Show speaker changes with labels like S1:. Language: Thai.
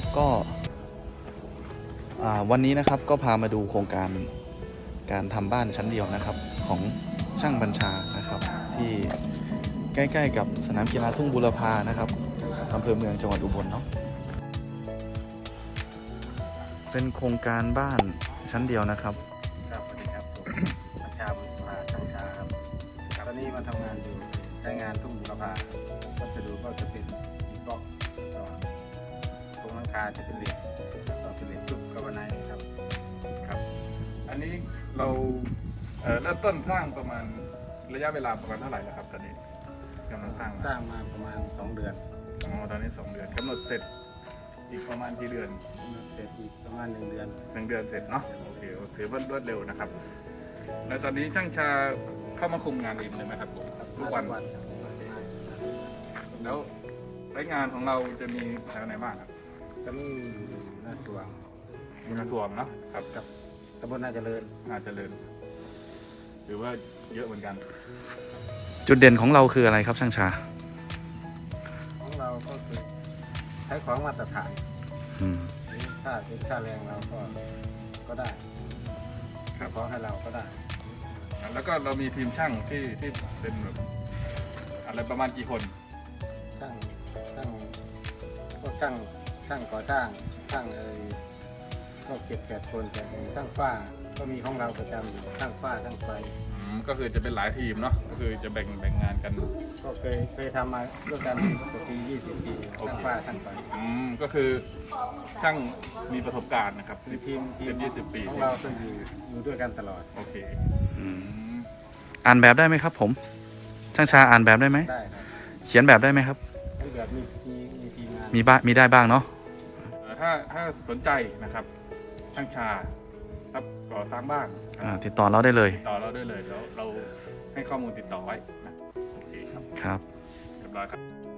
S1: ครับก็วันนี้นะครับก็พามาดูโครงการการทำบ้านชั้นเดียวนะครับของช่างบัญชานะครับที่ใกล้ๆกับสนามกีฬาทุ่งบุรพานะครับอำเภอเมืองจังหวัดอุบลเนาะเป็นโครงการบ้านชั้นเดียวนะครับ
S2: ครับสวัสดีครับผมบัญชาบุญสภาช่างชาครับตอนนี้มาทำงานอยู่ใช้งานทุ่งบุรพาวัสดุก็จะเป็นอิฐบล็อกโครงหลังคาจะเป็นเหล็กก็เป็นเหล็กชุบกาวไนท์ครับ
S3: ครับ อันนี้เราเริ่มต้นสร้างประมาณระยะเวลาประมาณเท่าไหร่แล้วครับตอนนี้กำลังสร้าง
S2: สร้างมาประมาณ2 เดือน
S3: อ๋อตอนนี้2 เดือนกำหนดเสร็จอีกประมาณกี่เดือน
S2: เสร็จอีกประมาณ1 เดือน
S3: 1 เดือนเสร็จเนาะโอเคถือว่ารวดเร็วนะครับแล้วตอนนี้ช่างชาเข้ามาคุมงานเองเลยไหมครับทุกวัน
S2: ครับ
S3: แล้วรายงานของเราจะมีแถวไหนบ้างครับ
S2: จะมีหน้าสวง
S3: มีกระทรวงเนาะครับ
S2: กับตำบลนาเจริญ
S3: น่าเจริญหรือว่าเยอะเหมือนกัน
S1: จุดเด่นของเราคืออะไรครับช่างชา
S2: ของเราก็คือใช้ของมาตรฐาน
S1: อืม
S2: หรือค่าแรงเราก็ได้ค่าของให้เราก็ได้
S3: แล้วก็เรามีทีมช่างที่เป็นแบบอะไรประมาณกี่คน
S2: พวกช่างก่อสร้างช่างก็7-8 คนแต่ช่างฝ้าก็มีของเราประจำอยู่ช่างฝ้าช่างไฟ
S3: ก็คือจะเป็นหลายทีมเนาะก็คือจะแบ่งงานกัน
S2: ก็เคยทำมาด้วยกัน10 กว่าปี20 ปีช่างฝ้าช่างไฟ
S3: ก็คือช่างมีประสบการณ์นะครับ
S2: คือทีม
S3: เป็น20 ปี
S2: ของเราต้องอยู่ด้วยกันตลอด
S3: โอเค
S1: อ่านแบบได้ไหมครับผมช่างชาอ่านแบบได้ไหม
S2: ได้ครับ
S1: เขียนแบบได้ไหมครับ
S2: ทั้งแบบมีทีมงาน
S1: มีได้บ้างเนาะ
S3: ถ้าสนใจนะครับช่างชาครับก่อสร้างบ้าน
S1: ติดต่อเราได้เลย
S3: ติดต่อเราได้เลยเดี๋ยวเราให้ข้อมูลติดต่อไว้นะโอเคครับ
S1: ครับ
S3: เรียบร้อยครับ